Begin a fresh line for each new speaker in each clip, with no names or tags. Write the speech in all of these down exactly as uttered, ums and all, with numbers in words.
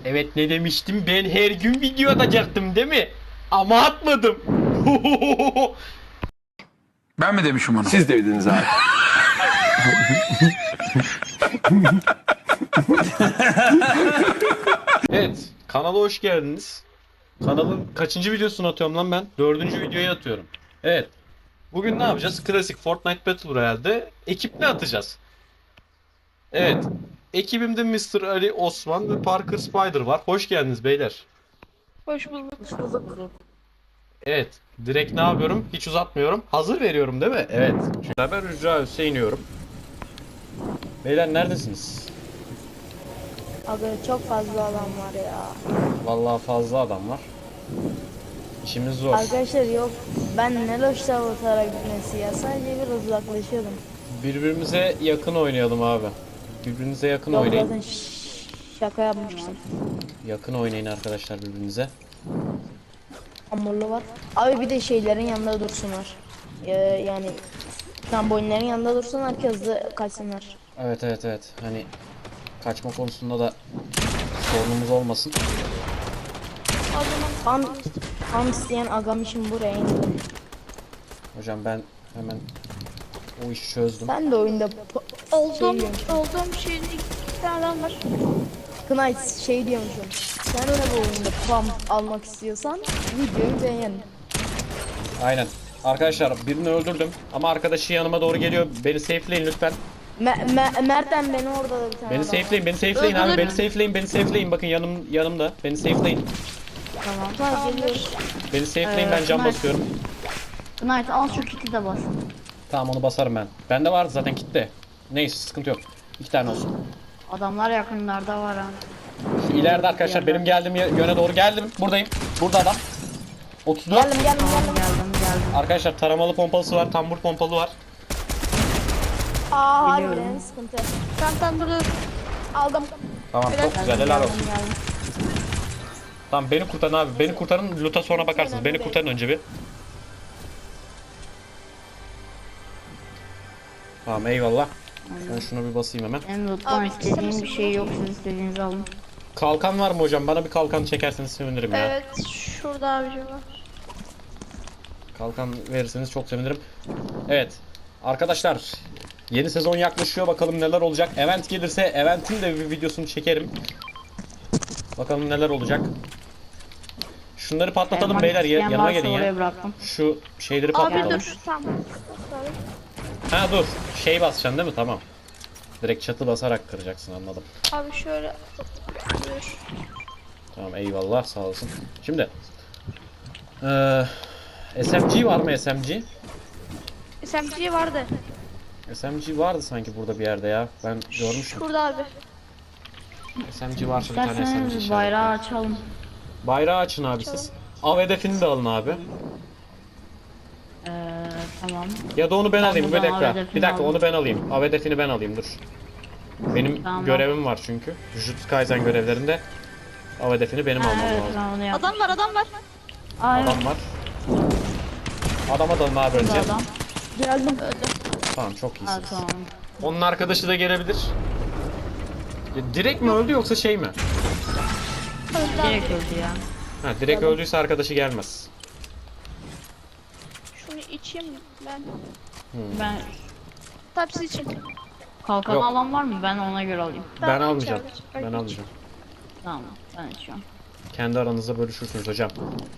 Evet, ne demiştim, ben her gün video atacaktım değil mi? Ama atmadım.
Ben mi demişim onu?
Siz dediniz abi.
Evet, kanala hoş geldiniz. Kanalın kaçıncı videosunu atıyorum lan ben? Dördüncü videoyu atıyorum. Evet. Bugün ne yapacağız? Klasik Fortnite Battle Royale'de ekiple atacağız. Evet. Ekibimde mister Ali, Osman ve Parker Spider var. Hoş geldiniz beyler.
Hoş bulduk.
Evet. Direkt ne yapıyorum? Hiç uzatmıyorum. Hazır veriyorum değil mi? Evet. Şimdi ben Rücra Hüseyin'iyorum. Beyler neredesiniz?
Abi çok fazla adam var ya.
Vallahi fazla adam var. İşimiz zor.
Arkadaşlar yok. Ben ne loşta otara gitmesi ya. Sadece biraz uzaklaşıyordum.
Birbirimize yakın oynayalım abi. Birbirinize yakın
Yok
oynayın.
zaten ş- şaka yapmıştım.
Yakın oynayın arkadaşlar birbirinize.
Hamurlu var. Abi bir de şeylerin yanında dursunlar. Ee, yani trambolinlerin yanında dursunlar ki hızlı kaçsınlar.
Evet evet evet. Hani kaçma konusunda da sorunumuz olmasın.
Tam, tam isteyen agam için buraya indi.
Hocam ben hemen o işi çözdüm.
Ben de oyunda po-
Olduğum,
şey diyormuşum.
olduğum şeyde iki tane adam var.
Knight şey diyormuşum. Sen öyle bu oyunda pam almak istiyorsan videoyu beğen.
Aynen. Arkadaşlar birini öldürdüm ama arkadaşı yanıma doğru geliyor. Beni safeleyin lütfen.
Me Me Mert'ten beni orada da bir tane
Beni
adam var.
safeleyin, beni safeleyin abi. Beni safeleyin, beni safeleyin. Bakın yanım yanımda. Beni safeleyin.
Tamam. Tamam geliyoruz.
Beni safeleyin,
Ee,
ben cam
Knight.
basıyorum.
Knight al şu kiti de bas.
Tamam, onu basarım ben. Bende var zaten kitle. Neyse, sıkıntı yok. İki tane olsun.
Adamlar yakınlarda var ha.
Şu ileride arkadaşlar benim geldiğim ye- yöne doğru geldim. Buradayım. Burada adam. otuz dört.
Geldim geldim
Tamam
geldim.
geldim geldim.
Arkadaşlar taramalı pompalısı var, tambur pompalı var.
Aa
Biliyorum.
harbiden sıkıntı.
Ben tam burada
Aldım.
Tamam, çok güzel, helal
Geldim
olsun.
geldim.
Tamam, beni kurtarın abi. Beni kurtarın, loot'a sonra bakarsınız. Beni kurtarın önce bir. Tamam, eyvallah. Ben şunu bir basayım hemen.
Benim loot'tan
Abi,
istediğim
sen-
bir şey yok, siz istediğinizi alın.
Kalkan var mı hocam? Bana bir kalkan çekerseniz sevinirim ya.
evet şurada abicim var.
Kalkan verirseniz çok sevinirim. Evet. Arkadaşlar, yeni sezon yaklaşıyor. Bakalım neler olacak. Event gelirse Event'in de bir videosunu çekerim. Bakalım neler olacak. Şunları patlatalım
Elman
beyler. Ya-
isteyen
yanıma
varsa
gelin
oraya
ya.
bıraktım.
Şu şeyleri
Abi
patlatalım.
dur tamam.
Ha dur. Şey basacaksın değil mi? Tamam. Direkt çatı basarak kıracaksın, anladım.
Abi şöyle dur.
Tamam, eyvallah, sağ olasın. Şimdi eee S M G var mı, S M G?
S M G vardı.
S M G vardı sanki burada bir yerde ya. Ben görmüşüm.
Şurada abi.
S M G varsa bir tane S M G
İsterseniz
işaretleyin.
bayrağı açalım.
Bayrağı açın abi siz. Av hedefini de alın abi.
Ee, tamam.
Ya da onu ben
Ben
alayım. Bir
buradan av
dakika.
hedefini
Bir dakika,
aldım.
onu ben alayım. Av hedefini ben alayım, dur. Benim
Tamam.
görevim var çünkü. Jujutsu Kaisen görevlerinde av hedefini benim
Ha,
almam
evet
lazım.
ben onu yaptım.
Adam var adam var.
Aa, evet,
Adam var. Adama dalın abi önce.
burada adam.
Geldim.
Tamam, çok
Ha,
iyisiniz.
tamam.
Onun arkadaşı da gelebilir. Ya, direkt mi öldü yoksa şey mi?
Öldü abi.
Direkt öldü ya.
Ha, direkt öldüyse arkadaşı gelmez.
Şunu içeyim ben.
Ben
Tepsi için.
kalkan
Yok.
alan var mı? Ben ona göre alayım.
Ben
Ben
almayacağım.
içeride.
Ben almayacağım.
Tamam ben içiyorum.
Kendi aranızda bölüşürsünüz hocam.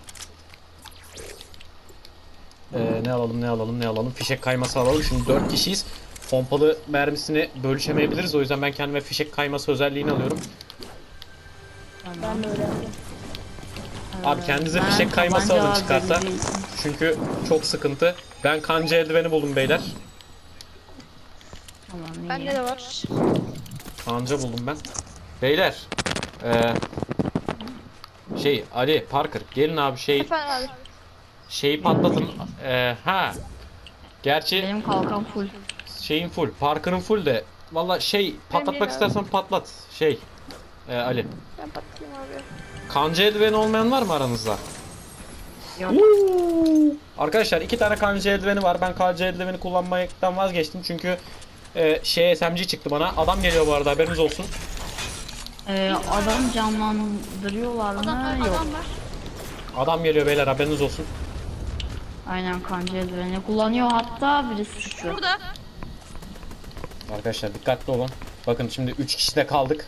Ee, ne alalım ne alalım ne alalım. Fişek kayması alalım. Şimdi dört kişiyiz. Pompalı mermisini bölüşemeyebiliriz. O yüzden ben kendime fişek kayması özelliğini alıyorum.
Ben de öyle yapayım.
Abi kendinize
Ben
fişek kayması
tabanca
alın
var
çıkarsa.
belli değil.
Çünkü çok sıkıntı. Ben kanca eldiveni buldum beyler.
Tamam iyi.
Bende de var.
Kanca buldum ben. Beyler. Ee, şey Ali Parker gelin abi şey
Efendim abi.
şeyi patlatın. Ee, ha. Gerçi
Benim kalkan full.
şeyin full. Parker'ın full de. Valla şey patlatmak
değil abi.
istersen patlat. Şey. Ee, Ali.
Ben patlayayım abi.
Kanca eldiveni olmayan var mı aranızda?
Yok.
Arkadaşlar iki tane kanca eldiveni var. Ben kanca eldiveni kullanmaktan vazgeçtim çünkü e, şey S M G çıktı bana. Adam geliyor bu arada, haberiniz olsun.
Ee, adam canlandırıyorlar
Adam var,
mı? Yok.
adam var.
Adam geliyor beyler, haberiniz olsun.
Aynen, kanca eldiveni kullanıyor, hatta birisi suçlu.
Burada.
Arkadaşlar dikkatli olun. Bakın şimdi üç kişi de kaldık.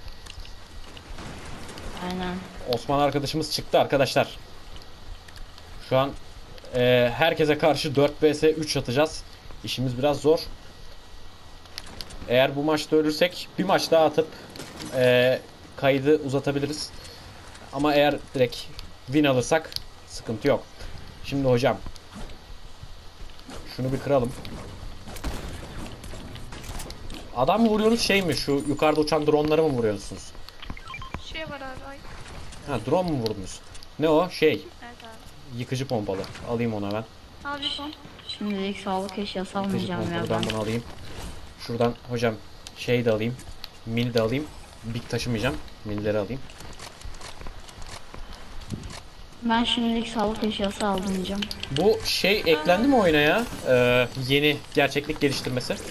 Aynen.
Osman arkadaşımız çıktı arkadaşlar. Şu an e, herkese karşı dört vs üç atacağız. İşimiz biraz zor. Eğer bu maçta ölürsek bir maç daha atıp e, kaydı uzatabiliriz. Ama eğer direkt win alırsak sıkıntı yok. Şimdi hocam şunu bir kıralım. Adam mı vuruyorsunuz, şey mi, şu yukarıda uçan dronları mı vuruyorsunuz?
Şey var abi. Ay.
Ha, drone mu vurdunuz? Ne o? Şey,
Evet abi.
yıkıcı pompalı. Alayım onu hemen.
Al bir son.
Şimdilik sağlık eşyası
Yıkıcı
almayacağım ya ben.
pompalıdan bunu alayım. Şuradan hocam şey de alayım. Mini de alayım. Big taşımayacağım. Minileri alayım.
Ben şimdilik sağlık eşyası almayacağım.
Bu şey eklendi mi oyuna ya? Ee, yeni gerçeklik geliştirmesi.
Hiç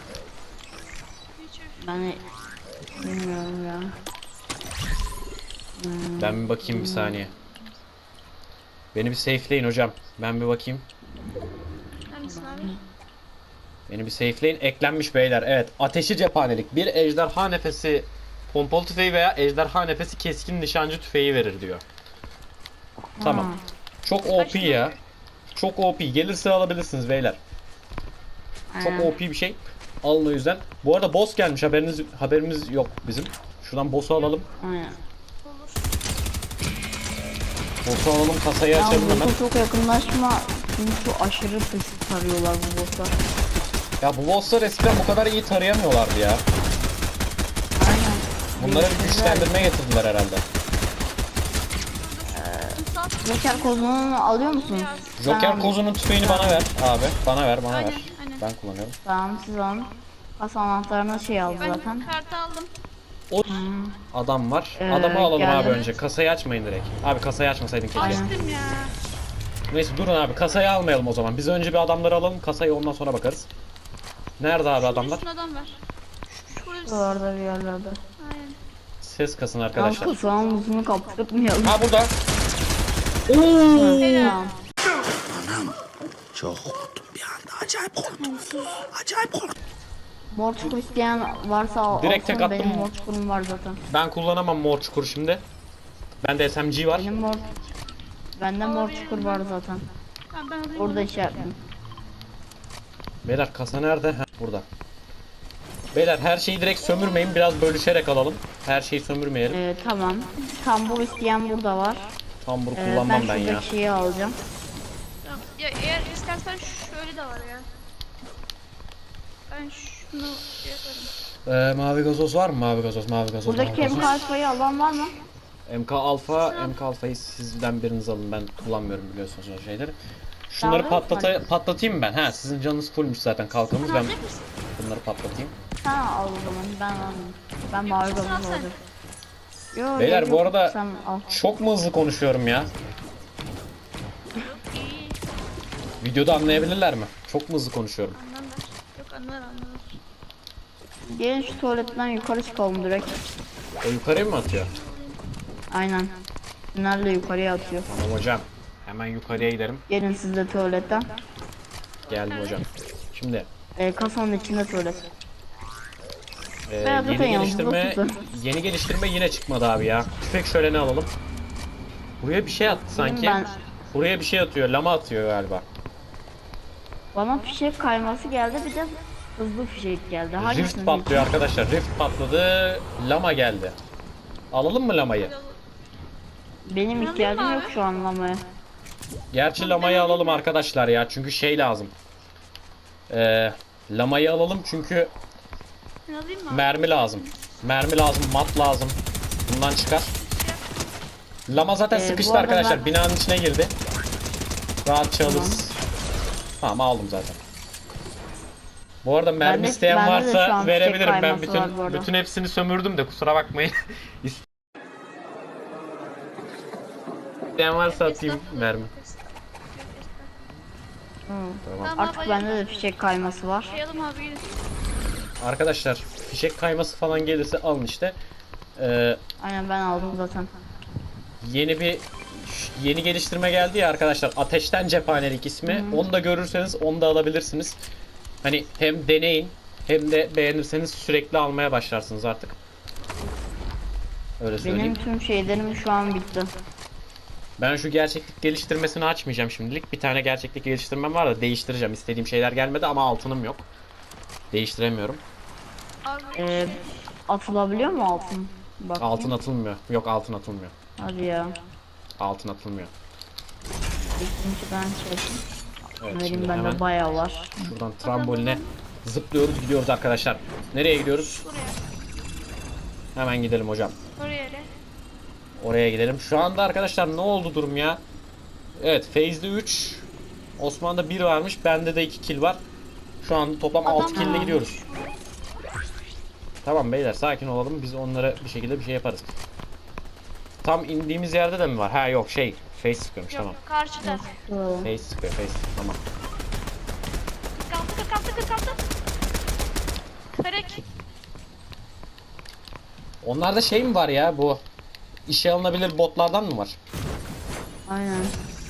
Ben bilmiyorum ya. Hmm.
Ben bir bakayım bir saniye. Beni bir safeleyin hocam. Ben bir bakayım.
neredesin abi?
Beni bir safeleyin. Eklenmiş beyler. Evet. Ateşi cephanelik. Bir ejderha nefesi pompalı tüfeği veya ejderha nefesi keskin nişancı tüfeği verir diyor. Tamam.
Ha.
Çok O P ya. Çok O P. Gelirse alabilirsiniz beyler. Çok
Aynen.
O P bir şey. Alın o yüzden. Bu arada boss gelmiş. Haberiniz haberimiz yok bizim. Şuradan boss'u alalım.
Aynen.
Olur.
Boss'u alalım. Kasayı
Ya
açalım hemen.
boss'a çok yakınlaşma, çünkü aşırı pis tarıyorlar bu bosslar.
Ya bu boss'lar eskiden bu kadar iyi tarayamıyorlardı ya.
Aynen.
Bunlara bir
Değiştirdiler.
güçlendirme getirdiler herhalde.
Joker kozunu alıyor musun?
Joker kozunun tüfeğini bana ver abi. Bana ver, bana
Aynen,
ver.
aynen.
Ben kullanıyorum.
Tamam, siz alın. Kasa anahtarını şey aldı
Ben
zaten.
kartı aldım.
O adam var.
Ee,
Adamı alalım
geldim.
abi önce. Kasayı açmayın direkt. Abi kasayı açmasaydın keşke.
Aynen.
Açtım ya.
Neyse durun abi. Kasayı almayalım o zaman. Biz önce bir adamları alalım. Kasayı ondan sonra bakarız. Nerede abi adamlar?
Üstüne adam var. Şu- Şurada bir...
Oralarda bir yerlerde.
Aynen.
Ses kasın
Arkadaşlar.
arkadaşlar.
Kasanın buzunu kaptırmayalım.
Ha burada.
Tamam.
Çok korktum bir anda. Acayip korktum. Acayip korktum.
Mor çukur isteyen varsa al.
Direkt tek
alsın.
attım.
Benim mor çukurum var zaten.
Ben kullanamam mor çukur şimdi. Bende S M G var.
Benim mor... Bende mor çukur var zaten.
Ha, ben alayım
Orada
onu.
işaretledim.
Beyler kasa nerede? Ha, burada. Beyler her şeyi direkt sömürmeyin. Biraz bölüşerek alalım. Her şeyi sömürmeyelim.
Ee, tamam. Tambur isteyen burada var.
Tambur
Ee,
kullanmam
ben
ben ya.
şuradaki şeyi alacağım.
Tamam. Ya eğer istersen şöyle de var ya. Ben şunu şey yaparım.
Ee, mavi gazoz var mı? Mavi gazoz, mavi gazoz, mavi
Buradaki
gazoz.
M K alfayı alan var mı?
M K Alfa, M K Alfa'yı sizden biriniz alın. Ben kullanmıyorum biliyorsunuz o şeyleri. Şunları
Tamam,
patlata
hadi.
patlatayım mı ben? Ha, sizin canınız fullmüş zaten kalkanınız. Ben
Alacak mısın?
bunları patlatayım.
Ha, al o zaman, ben alayım. Ben mavi
Sen
gazoz
al sen.
alacağım. Yo,
Beyler,
yok,
bu
yok,
arada-
sen al.
Çok mu hızlı konuşuyorum ya?
İyi.
Videoda anlayabilirler mi? Çok mu hızlı konuşuyorum?
Anlarlar. Yok anlar anlar.
Gelin şu tuvaletten yukarı çıkalım direkt.
O yukarıya mı atıyor?
Aynen. Tünelle yukarıya atıyor.
Tamam hocam. Hemen yukarıya gidelim.
Gelin siz de tuvaletten.
Geldim hocam. Şimdi
Ee, kasanın içinde tuvalet.
e,
Ben
yeni
zaten yalnız
geliştirme
otuzum.
yeni geliştirme yine çıkmadı abi ya. Tüfek şöyle ne alalım? Buraya bir şey attı sanki.
Ben,
Buraya bir şey atıyor. Lama atıyor galiba.
bana fişek kayması geldi, bir de hızlı fişek geldi. Hangisini
Rift patlıyor arkadaşlar. Rift patladı. Lama geldi. Alalım mı lamayı?
Benim ihtiyacım yok şu an lamaya.
Gerçi lamayı alalım arkadaşlar ya. Çünkü şey lazım. Ee, lamayı alalım çünkü
Ben alayım mı?
mermi lazım. Mermi lazım, mat lazım. Bundan çıkar. Lama zaten
Ee, bu
sıkıştı
arada
arkadaşlar.
ben-
Binanın içine girdi. Rahatça alırız. Tamam aldım zaten. Bu arada mermi
Bende-
isteyen
bende de
varsa
şu an
verebilirim.
fişek
Ben
kayması var bu
bütün
arada.
bütün hepsini sömürdüm de kusura bakmayın. İsteyen varsa atayım mermi. Tamam.
Tamam,
Artık
abi,
bende de fişek kayması var.
Sayalım abi gelin.
Arkadaşlar fişek kayması falan gelirse alın işte. Ee,
Aynen ben aldım zaten.
yeni bir yeni geliştirme geldi ya arkadaşlar. Ateşten cephanelik ismi. Onu da görürseniz onu da alabilirsiniz. Hani hem deneyin hem de beğenirseniz sürekli almaya başlarsınız artık. Öyle söyleyeyim.
Benim tüm şeylerim şu an bitti.
Ben şu gerçeklik geliştirmesini açmayacağım şimdilik. Bir tane gerçeklik geliştirmem var da değiştireceğim. İstediğim şeyler gelmedi ama altınım yok. Değiştiremiyorum.
Abi
Ee,
şey,
atılabiliyor mu altın? Bak.
Altın atılmıyor. Yok, altın atılmıyor.
Hadi ya.
Altın atılmıyor.
İkinci ben çektim.
Evet,
Vereyim
şimdi
bende
hemen
bayağı var.
şuradan tramboline zıplıyoruz, gidiyoruz arkadaşlar. Nereye gidiyoruz?
buraya.
Hemen gidelim hocam.
Oraya ne?
Oraya gidelim. Şu anda arkadaşlar ne oldu durum ya? Evet, Feyz'de üç, Osman'da bir varmış. Bende de iki kill var. Şu an toplam altı kill ile gidiyoruz. Tamam beyler, sakin olalım. Biz onlara bir şekilde bir şey yaparız. Tam indiğimiz yerde de mi var? Ha yok, şey, Face sıkıyormuş.
Yok
Tamam.
yok karşıda.
Şurada.
Face sıkıyor, Face. Tamam.
kırk altı kırk altı kırk altı. Kırık.
Onlarda şey mi var ya, bu işe alınabilir botlardan mı var?
Aynen.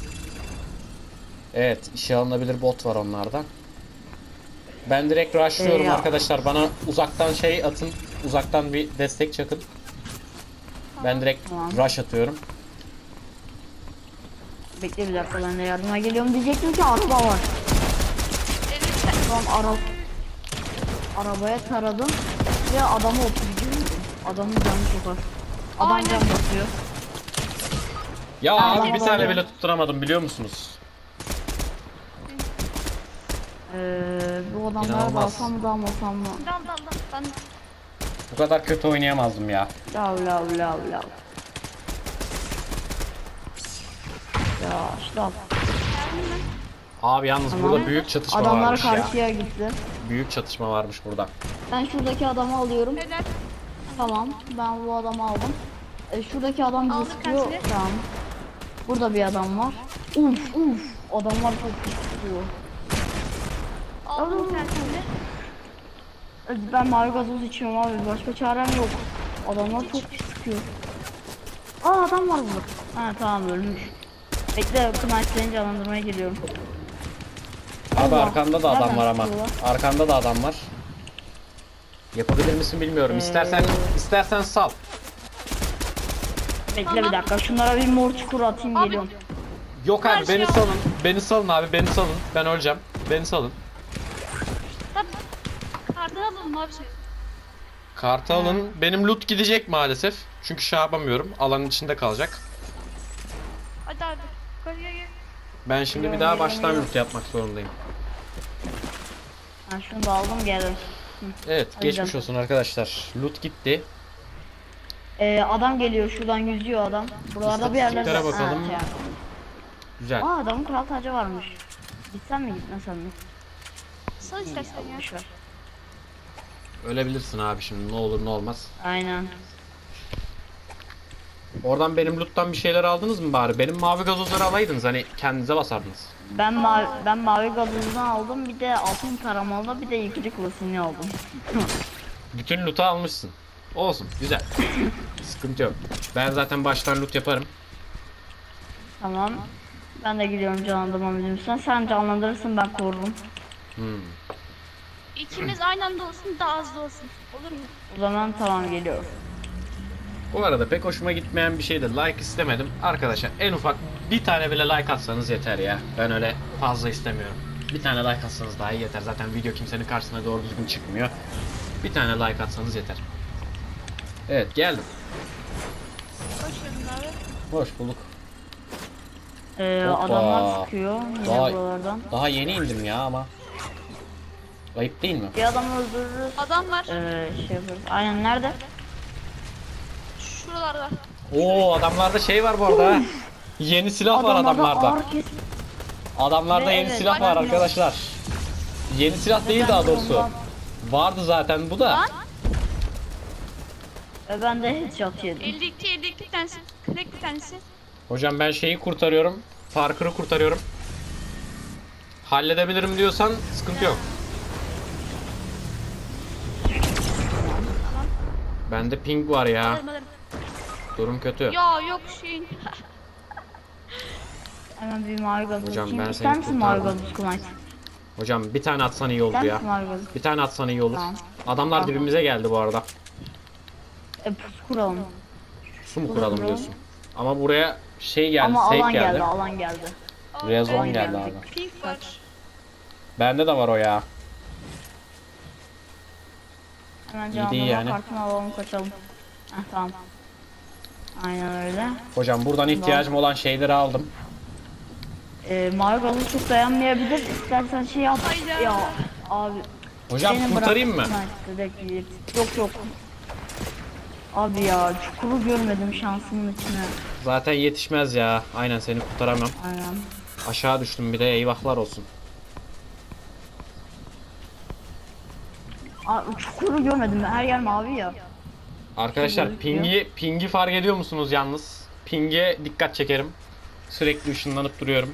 Evet, işe alınabilir bot var onlardan. Ben direkt rushlıyorum
Ee, ya.
arkadaşlar. Bana uzaktan şey atın. Uzaktan bir destek çakın. Ben direkt
Tamam.
rush atıyorum.
Bekle bir dakika, ben de yardıma geliyorum diyecektim ki araba var.
elli tane.
Tamam, ara arabaya taradım ve adamı oturtuyorum. Adamın canı çok az. Adam
Aynen.
can basıyor.
Ya
Aynen
abi bir
öyle.
tane bile tutturamadım, biliyor musunuz?
Ee, bu adamlara
İnanılmaz.
dalsam mı dalmasam mı?
Dal dal dal. Ben
Bu kadar kötü oynayamazdım ya.
Lav lav lav lav. Ya işte al.
Abi yalnız
Tamam.
burada büyük çatışma
Adamlar
varmış ya.
karşıya gitti.
Büyük çatışma varmış burada.
Ben şuradaki adamı alıyorum.
helal.
Tamam, ben bu adamı aldım. E, şuradaki adam bizi
Aldık
sıkıyor.
kaçını?
Tamam. Burada bir adam var. Uf uf. Adamlar çok pis sıkıyor.
Aldım bir tanesini.
E, Ben mavi gazoz içiyorum abi. Başka çarem yok. Adamlar çok pis sıkıyor. Aa, adam var burada. Ha tamam, ölmüş. Bekle, knife canlandırmaya geliyorum.
Abi
Allah.
arkanda da adam
Nereden
var ama.
sıkıyorlar?
Arkanda da adam var. Yapabilir misin bilmiyorum. İstersen istersen sal.
Bekle bir dakika, şunlara bir mor çukur atayım,
Abi.
geliyorum.
Yok abi,
Karşıya
beni
al.
salın. Beni salın abi, beni salın. Ben öleceğim. Beni salın.
Tabii. Kartını alalım abi şey.
Kartı alın. Benim loot gidecek maalesef. Çünkü şey yapamıyorum. Alanın içinde kalacak.
Hadi abi. Yukarıya gel.
Ben şimdi bir daha baştan loot yapmak zorundayım.
Ha, şunu da aldım, geldim.
Evet,
Hadi
geçmiş
canım.
olsun arkadaşlar. Loot gitti.
Ee, adam geliyor, şuradan yüzüyor adam. Buralarda bir yerlerde.
İstatistiklere bakalım.
Ha, şey.
Güzel.
Aa, adamın kral tacı varmış. Gitsen mi gitmesen mi?
Sal istersen ya.
Boş ver.
Ölebilirsin abi şimdi, ne olur ne olmaz.
Aynen.
Oradan benim loot'tan bir şeyler aldınız mı bari? Benim mavi gazozları alaydınız, hani kendinize basardınız.
Ben mavi, ben mavi gazozunu aldım, bir de altın taramalı, bir de yıkıcı klasini aldım.
Bütün loot'u almışsın. Olsun, güzel. Sıkıntı yok. Ben zaten baştan loot yaparım.
Tamam. Ben de gidiyorum canlandırma müziğimden. Sen canlandırırsın, ben korurum.
Hmm.
İkimiz aynı anda olsun, daha hızlı olsun. Olur mu?
O zaman tamam, geliyorum.
Bu arada pek hoşuma gitmeyen bir şey de like istemedim. Arkadaşlar en ufak bir tane bile like atsanız yeter ya. Ben öyle fazla istemiyorum. Bir tane like atsanız daha iyi yeter. Zaten video kimsenin karşısına doğru düzgün çıkmıyor. Bir tane like atsanız yeter. Evet, geldim.
Hoş geldin abi.
Hoş bulduk.
Ee,
Hoppa.
adamlar sıkıyor yine
Vay.
buralardan.
Daha yeni indim ya ama. Ayıp değil mi?
Bir adam öldürürüz.
Adam var.
Ee, şey yaparız. Aynen, nerede?
Şuralarda.
Oo, adamlarda şey var bu arada. ha. Yeni silah var adamlarda.
ağır kes-
Adamlarda
Ve
yeni
evet,
silah var
aynen.
arkadaşlar. Yeni silah değil
ben
daha
de
doğrusu.
ondan-
Vardı zaten bu da.
Lan.
Ve ben de headshot yedim.
elli iki elli iki tanesi. kırk bir tanesi.
Hocam ben şeyi kurtarıyorum. Parker'ı kurtarıyorum. Halledebilirim diyorsan sıkıntı yok. Bende ping var ya.
Alırım alırım.
Durum kötü.
Ya yok şeyin.
Hemen bir mavi gazoz
Hocam,
açayım.
ben
İster
seni
misin mavi
kurtardım.
gazoz Kıvanç?
Hocam bir tane atsan iyi oldu
İster
ya.
misin mavi gazoz?
Bir tane atsan iyi olur.
Tamam.
Adamlar
Tamam.
dibimize geldi bu arada.
E pusu kuralım.
Su mu
Olur,
kuralım
olur.
diyorsun? Ama buraya şey geldi,
Ama
safe
alan geldi.
geldi.
alan geldi.
Buraya zone
Ben
geldi
geldim.
abi.
Pink var.
Bende de var o ya.
Hemen
İyi
canlandırma
değil yani.
kartını alalım kaçalım. Heh, tamam. Aynen öyle.
Hocam buradan ihtiyacım olan şeyleri aldım.
Ee, mavi gazoz çok dayanmayabilir. İstersen şey yap.
Hayda.
Ya abi.
Hocam
seni
kurtarayım mı?
bıraktım ben size, bekleyeyim. Yok yok. Abi ya çukuru görmedim şansımın içine.
Zaten yetişmez ya. Aynen seni kurtaramam.
Aynen.
Aşağı düştüm bir de eyvahlar olsun.
Abi çukuru görmedim. Her yer mavi ya.
Arkadaşlar
gözüküyor.
pingi pingi fark ediyor musunuz yalnız? Pinge dikkat çekerim. Sürekli ışınlanıp duruyorum.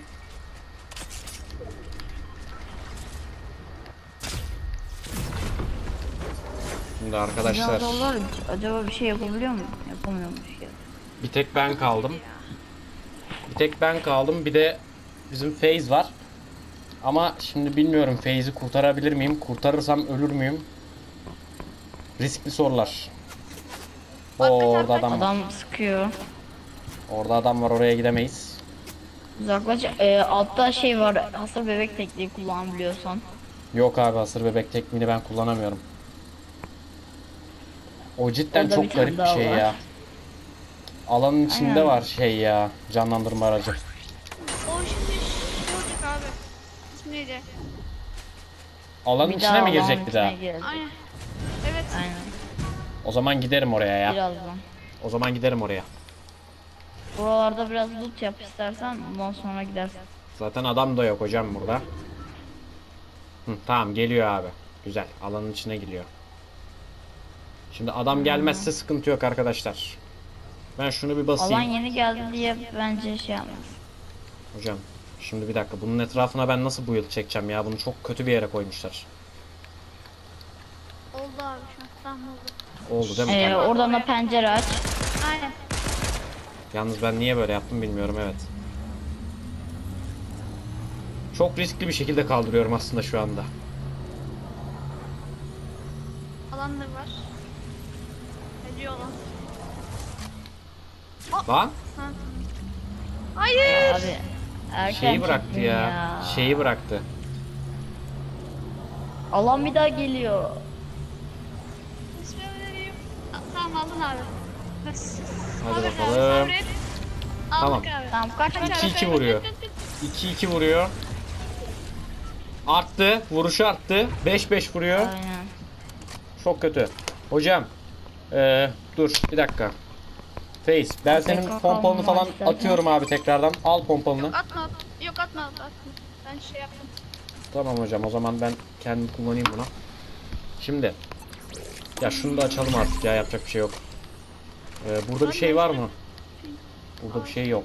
Şimdi arkadaşlar
Dinozorlar acaba bir şey yapabiliyor mu? Yapamıyormuş ya.
bir tek ben kaldım. Bir tek ben kaldım. Bir de bizim FaZe var. Ama şimdi bilmiyorum FaZe'i kurtarabilir miyim? Kurtarırsam ölür müyüm? Riskli sorular. Oo, orada adam var.
Adam sıkıyor.
Orada adam var, oraya gidemeyiz.
Uzaklaş. Ee, altta şey var. Hasır bebek tekniği kullanabiliyorsan.
Yok abi, hasır bebek tekniğini ben kullanamıyorum. O cidden
Orada bir
çok
tane
garip bir
daha
şey
var.
ya. Alanın içinde
Aynen.
var şey ya, canlandırma aracı.
O şimdi şey olacak abi. İsmi neydi?
Alanın
Bir
içine
daha
mi
alanın
girecek bir
içine
daha?
girecek.
Aynen. Evet.
Aynen.
O zaman giderim oraya ya.
Birazdan.
O zaman giderim oraya.
Buralarda biraz loot yap istersen bundan sonra gidersin.
Zaten adam da yok hocam burada. Hı, tamam geliyor abi. Güzel, alanın içine giriyor. Şimdi adam gelmezse sıkıntı yok arkadaşlar. Ben şunu bir basayım.
Alan yeni geldi diye bence şey yapmaz.
Hocam şimdi bir dakika, bunun etrafına ben nasıl bu yıl çekeceğim ya? Bunu çok kötü bir yere koymuşlar.
Oldu abi şu an. Tamam oldu.
Oldu değil mi?
Ee, oradan da pencere aç.
Aynen.
Yalnız ben niye böyle yaptım bilmiyorum, evet. Çok riskli bir şekilde kaldırıyorum aslında şu anda.
Alan da var. Ediyor alan.
Lan
Ha. Hayır.
Abi erken
şeyi bıraktı
çektin
ya. Şeyi bıraktı.
Alan bir daha geliyor.
İsmi vereyim. Tamam aldın abi. Bas.
Hadi
Aldık abi,
bakalım.
sabret.
Tamam.
Aldık abi.
Tamam kaç kaç.
iki iki vuruyor. iki iki vuruyor. Arttı. Vuruşu arttı. beş beş vuruyor.
Aynen.
Çok kötü. Hocam. Ee, dur bir dakika. Face, ben senin
Tekrar
pompalını
kalmam
falan
istersen.
atıyorum abi tekrardan. Al pompalını.
Atma. at- Yok atma atma. Ben şey yaptım.
Tamam hocam, o zaman ben kendim kullanayım buna. Şimdi. Ya şunu da açalım artık ya, yapacak bir şey yok. Ee, burada bir şey var mı? Burada bir şey yok.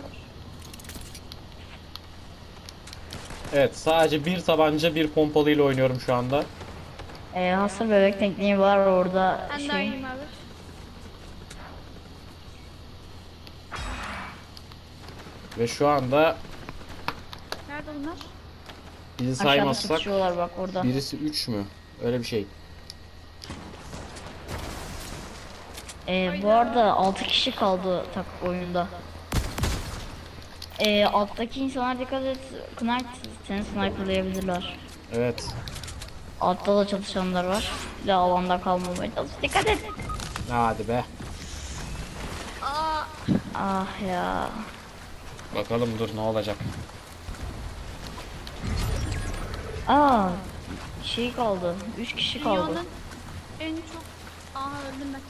Evet, sadece bir tabanca bir pompalıyla oynuyorum şu anda.
Ee, hasır bebek tekniği var orada
Ben daha
şey.
iyiyim abi.
Ve şu anda
Nerede bunlar?
bizi
Aşağıda
saymazsak
sıkışıyorlar bak orada.
birisi üç mü? Öyle bir şey.
Ee, bu arada altı kişi kaldı tak oyunda. Ee, alttaki insanlar dikkat et. Knight seni sniperlayabilirler.
Evet.
Altta da çalışanlar var. Bir de alanda kalmamaya çalış. Dikkat et.
Hadi be.
Aa.
Ah ya.
Bakalım dur ne olacak.
Aa, şey kaldı. Üç kişi kaldı.
Dünyanın en çok... Aa öldüm ben.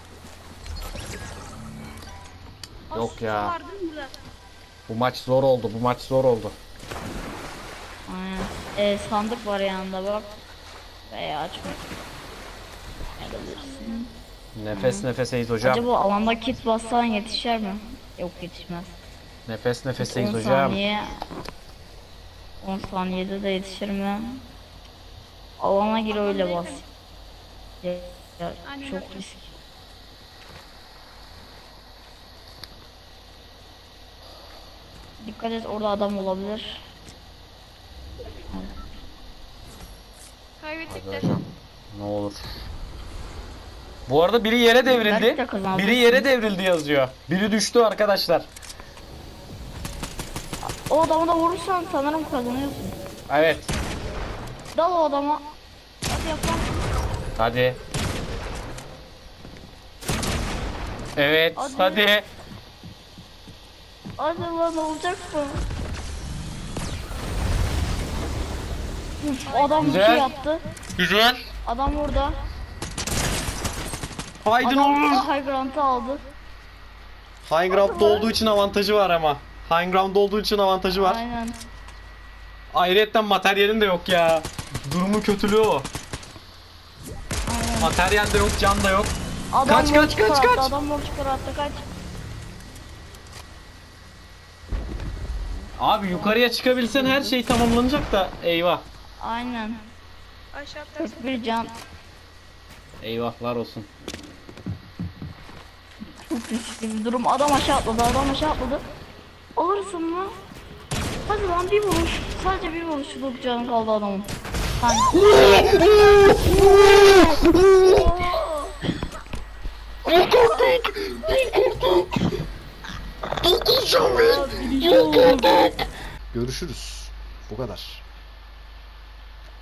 Aa,
Yok
su
ya.
var değil mi burada?
Bu maç zor oldu. Bu maç zor oldu.
Aynen. Ee, sandık var yanında bak. Veya açma. Alabilirsin.
Nefes nefeseyiz hocam.
Acaba alanda kit bassan yetişer mi? Yok yetişmez.
Nefes nefeseyiz
on
hocam.
saniye. on saniyede de yetişir mi? Alana gir öyle bas. Ya, ya,
Aynen
çok
öyle.
risk. Dikkat et, orada adam olabilir.
Kaybettikler.
Ne olur. Bu arada biri yere devrildi.
Belki de kazandık.
Biri yere devrildi yazıyor. Biri düştü arkadaşlar.
O adamı da vurursan sanırım kazanıyorsun.
Evet.
Dal o adama. Hadi yap lan.
Hadi. Evet,
Hadi.
hadi.
Hadi lan, olacak mı? Uf, adam bir
Güzel.
şey yaptı.
Güzel.
Adam burada.
Haydi
Adam
oğlum.
high ground'ı aldı.
High ground'da olduğu için avantajı var ama. High ground'da olduğu için avantajı var.
Aynen.
Ayrıyetten materyalin de yok ya. Durumu kötülüğü o.
Aynen.
Materyal de yok, can da yok.
Adam
Kaç, kaç,
mor
kaç,
çıkarttı,
kaç.
Adam mor çıkarttı, kaç.
Abi yukarıya çıkabilsen her şey tamamlanacak da eyvah.
Aynen.
Aşağı atlarsın.
kırk bir can.
Eyvahlar olsun.
Çok riskli bir durum. Adam aşağı atladı, adam aşağı atladı. Alırsın mı? Hadi lan, bir vuruş. Sadece bir vuruşluk canı kaldı adamın. Sanki.
Görüşürüz. Bu kadar.